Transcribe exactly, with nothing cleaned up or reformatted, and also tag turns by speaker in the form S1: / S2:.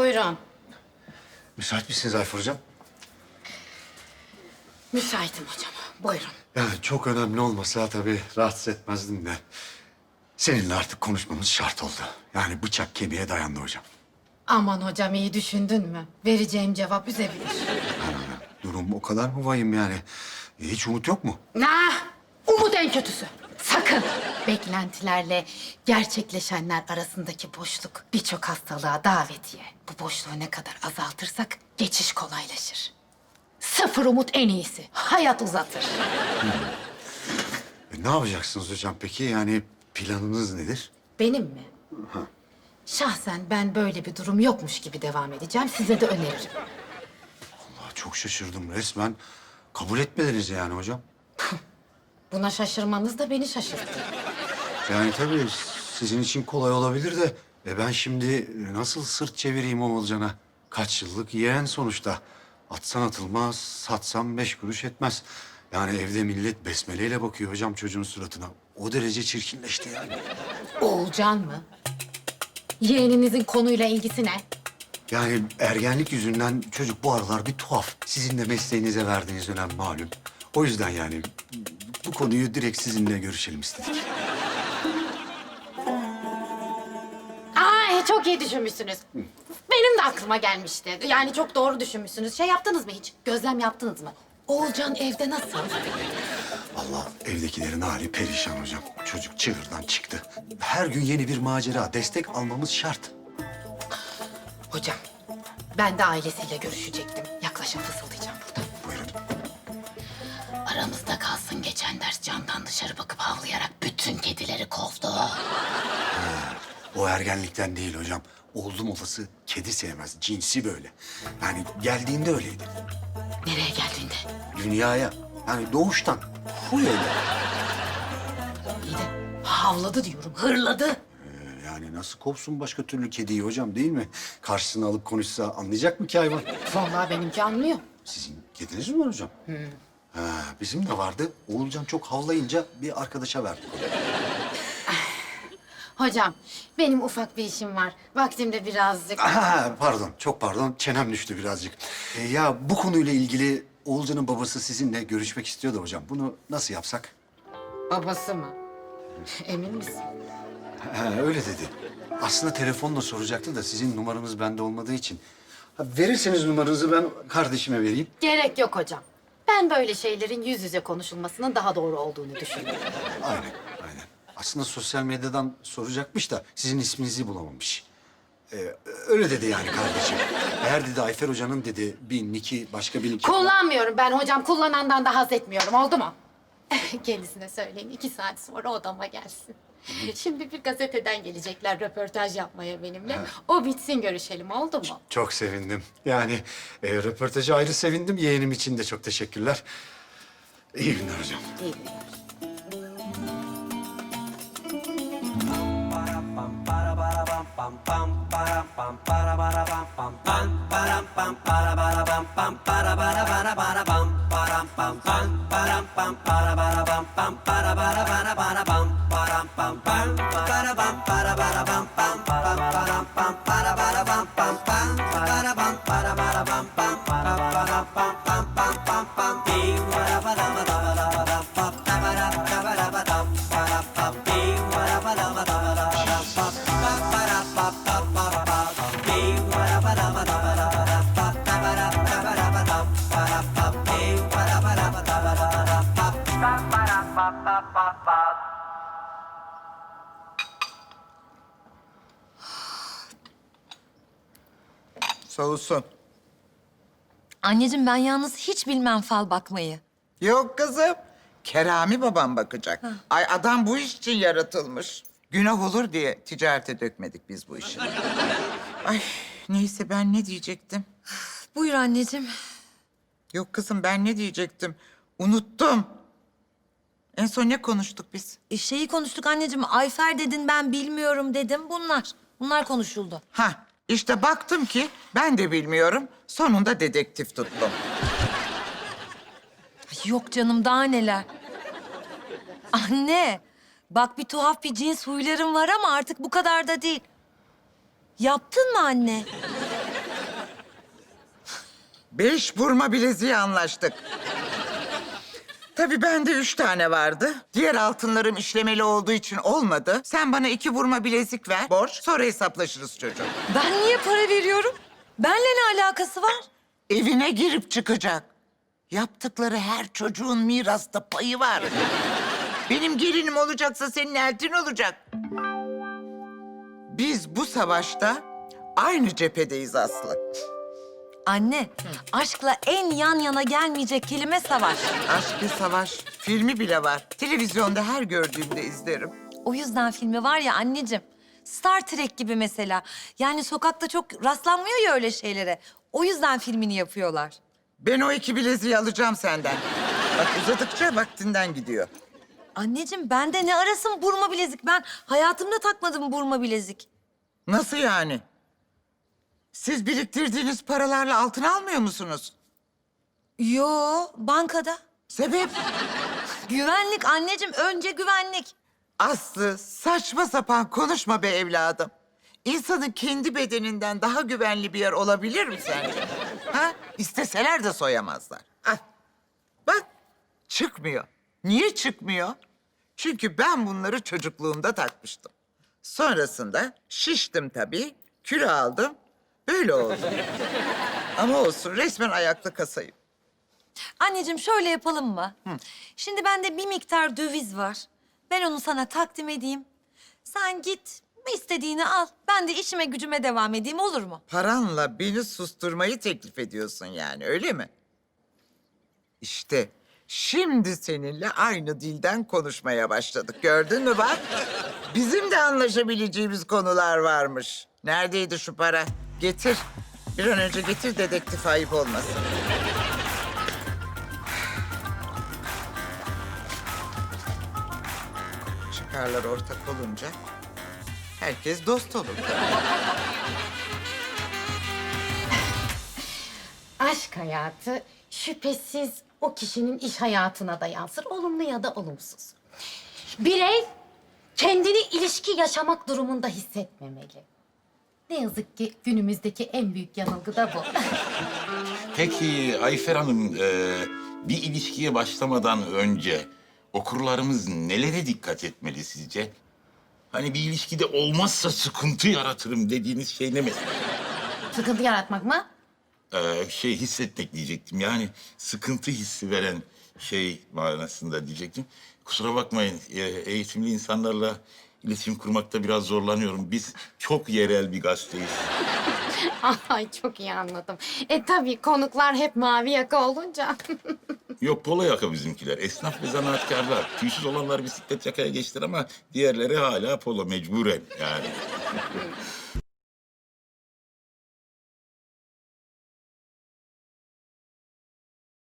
S1: Buyurun.
S2: Müsait misiniz Ayfer Hocam?
S1: Müsaitim hocam. Buyurun.
S2: Yani çok önemli olmasa tabii rahatsız etmezdim de. Seninle artık konuşmamız şart oldu. Yani bıçak kemiğe dayandı hocam.
S1: Aman hocam iyi düşündün mü? Vereceğim cevap üzebilir.
S2: Durum o kadar mı vahim yani? Hiç umut yok mu?
S1: Nah! Umut en kötüsü. Sakın! Beklentilerle gerçekleşenler arasındaki boşluk birçok hastalığa davetiye. Bu boşluğu ne kadar azaltırsak geçiş kolaylaşır. Sıfır umut en iyisi. Hayat uzatır.
S2: E, ne yapacaksınız hocam peki? Yani planınız nedir?
S1: Benim mi? Şahsen ben böyle bir durum yokmuş gibi devam edeceğim. Size de öneririm.
S2: Aa, çok şaşırdım resmen. Kabul etmediniz yani hocam.
S1: Buna şaşırmanız da beni şaşırttı.
S2: Yani tabii sizin için kolay olabilir de... E ben şimdi nasıl sırt çevireyim Oğulcan'a? Kaç yıllık yeğen sonuçta. Atsan atılmaz, satsan beş kuruş etmez. Yani evde millet besmeleyle bakıyor hocam çocuğun suratına. O derece çirkinleşti yani.
S1: Oğulcan mı? Yeğeninizin konuyla ilgisi ne?
S2: Yani ergenlik yüzünden çocuk bu aralar bir tuhaf. Sizin de mesleğinize verdiğiniz önem malum. O yüzden yani bu konuyu direkt sizinle görüşelim istedik.
S1: Aa, çok iyi düşünmüşsünüz. Benim de aklıma gelmişti. Yani çok doğru düşünmüşsünüz. Şey yaptınız mı hiç? Gözlem yaptınız mı? Oğulcan evde nasıl?
S2: Allah evdekilerin hali perişan hocam. Çocuk çığırdan çıktı. Her gün yeni bir macera. Destek almamız şart.
S1: Hocam, ben de ailesiyle görüşecektim. Yaklaşın fısıldayacağım burada.
S2: Buyurun.
S1: Aramızda kalsın geçen ders camdan dışarı bakıp havlayarak bütün kedileri kovdu.
S2: O ergenlikten değil hocam. Oldum olası kedi sevmez. Cinsi böyle. Yani geldiğinde öyleydi.
S1: Nereye geldiğinde?
S2: Dünyaya. Yani doğuştan. Huy öyle.
S1: İyi de havladı diyorum, hırladı.
S2: Ee, Yani nasıl kovsun başka türlü kediyi hocam değil mi? Karşısına alıp konuşsa anlayacak mı ki hayvan?
S1: Vallahi benimki anlıyor.
S2: Sizin kediniz mi var hocam? Ha, bizim de vardı. Oğulcan çok havlayınca bir arkadaşa verdik onu.
S1: Hocam, benim ufak bir işim var. Vaktimde birazcık...
S2: Aha, pardon, çok pardon. Çenem düştü birazcık. Ee, ya bu konuyla ilgili Oğulcan'ın babası sizinle görüşmek istiyordu hocam. Bunu nasıl yapsak?
S1: Babası mı? Emin misin?
S2: Ha, öyle dedi. Aslında telefonla soracaktı da sizin numaranız bende olmadığı için. Ha, verirseniz numaranızı ben kardeşime vereyim.
S1: Gerek yok hocam. Ben böyle şeylerin yüz yüze konuşulmasının daha doğru olduğunu düşünüyorum.
S2: Aynen, aynen. Aslında sosyal medyadan soracakmış da sizin isminizi bulamamış. Ee, öyle dedi yani kardeşim. Eğer dedi Ayfer Hoca'nın dedi bir niki başka bir niki...
S1: Kullanmıyorum ben hocam. Kullanandan da haz etmiyorum. Oldu mu? Kendisine söyleyin. iki saat sonra odama gelsin. Şimdi bir gazeteden gelecekler röportaj yapmaya benimle. O bitsin görüşelim. Oldu mu?
S2: Çok sevindim. Yani e, röportaja ayrı sevindim. Yeğenim için de çok teşekkürler. İyi günler hocam.
S1: İyi günler.
S3: Soğusun.
S4: Anneciğim ben yalnız hiç bilmem fal bakmayı.
S3: Yok kızım. Kerami babam bakacak. Ay adam bu iş için yaratılmış. Günah olur diye ticarete dökmedik biz bu işi. Ay neyse ben ne diyecektim?
S4: Buyur anneciğim.
S3: Yok kızım ben ne diyecektim? Unuttum. En son ne konuştuk biz?
S4: E, şeyi konuştuk anneciğim. Ayfer dedin ben bilmiyorum dedim. Bunlar. Bunlar konuşuldu.
S3: Ha işte baktım ki ben de bilmiyorum. Sonunda dedektif tuttum.
S4: Ay, yok canım daha neler. Anne. Bak bir tuhaf bir cins huylarım var ama artık bu kadar da değil. Yaptın mı anne?
S3: Beş burma bileziği anlaştık. Tabii bende üç tane vardı. Diğer altınlarım işlemeli olduğu için olmadı. Sen bana iki burma bilezik ver, borç. Sonra hesaplaşırız çocuğum.
S4: Ben niye para veriyorum? Benle ne alakası var?
S3: Evine girip çıkacak. Yaptıkları her çocuğun mirasta payı var. Benim gelinim olacaksa senin eltin olacak. Biz bu savaşta aynı cephedeyiz Aslı.
S4: Anne, aşkla en yan yana gelmeyecek kelime savaş.
S3: Aşk ve Savaş filmi bile var. Televizyonda her gördüğümde izlerim.
S4: O yüzden filmi var ya anneciğim. Star Trek gibi mesela. Yani sokakta çok rastlanmıyor ya öyle şeylere. O yüzden filmini yapıyorlar.
S3: Ben o iki bileziği alacağım senden. Bak uzadıkça vaktinden gidiyor.
S4: Anneciğim bende ne arasın burma bilezik? Ben hayatımda takmadım burma bilezik.
S3: Nasıl yani? Siz biriktirdiğiniz paralarla altın almıyor musunuz?
S4: Yo, bankada.
S3: Sebep?
S4: Güvenlik anneciğim, önce güvenlik.
S3: Aslı saçma sapan konuşma be evladım. İnsanın kendi bedeninden daha güvenli bir yer olabilir mi sence? Ha? İsteseler de soyamazlar. Ah, bak çıkmıyor. Niye çıkmıyor? Çünkü ben bunları çocukluğumda takmıştım. Sonrasında şiştim tabii, kilo aldım. Böyle oldu. Ama olsun resmen ayakta kasayım.
S4: Anneciğim şöyle yapalım mı? Şimdi bende bir miktar döviz var. Ben onu sana takdim edeyim. Sen git istediğini al. Ben de işime gücüme devam edeyim, olur mu?
S3: Paranla beni susturmayı teklif ediyorsun yani, öyle mi? İşte şimdi seninle aynı dilden konuşmaya başladık. Gördün mü bak? Bizim de anlaşabileceğimiz konular varmış. Neredeydi şu para? Getir. Bir an önce getir, dedektif ayıp olmasın. Çıkarlar ortak olunca herkes dost olur.
S1: Aşk hayatı şüphesiz o kişinin iş hayatına da yansır, olumlu ya da olumsuz. Birey kendini ilişki yaşamak durumunda hissetmemeli. Ne yazık ki günümüzdeki en büyük yanılgı da bu.
S5: Peki Ayfer Hanım, e, bir ilişkiye başlamadan önce okurlarımız nelere dikkat etmeli sizce? Hani bir ilişkide olmazsa sıkıntı yaratırım dediğiniz şey ne mesela?
S1: Sıkıntı yaratmak mı?
S5: Ee, şey hissetmek diyecektim. Yani sıkıntı hissi veren şey manasında diyecektim. Kusura bakmayın, e, eğitimli insanlarla iletişim kurmakta biraz zorlanıyorum. Biz çok yerel bir gazeteyiz.
S1: Ay çok iyi anladım. E tabii konuklar hep mavi yaka olunca.
S5: Yok polo yaka bizimkiler. Esnaf ve zanaatkarlar. Tüysüz olanlar bisiklet yakaya geçtiler ama diğerleri hala polo mecburen yani.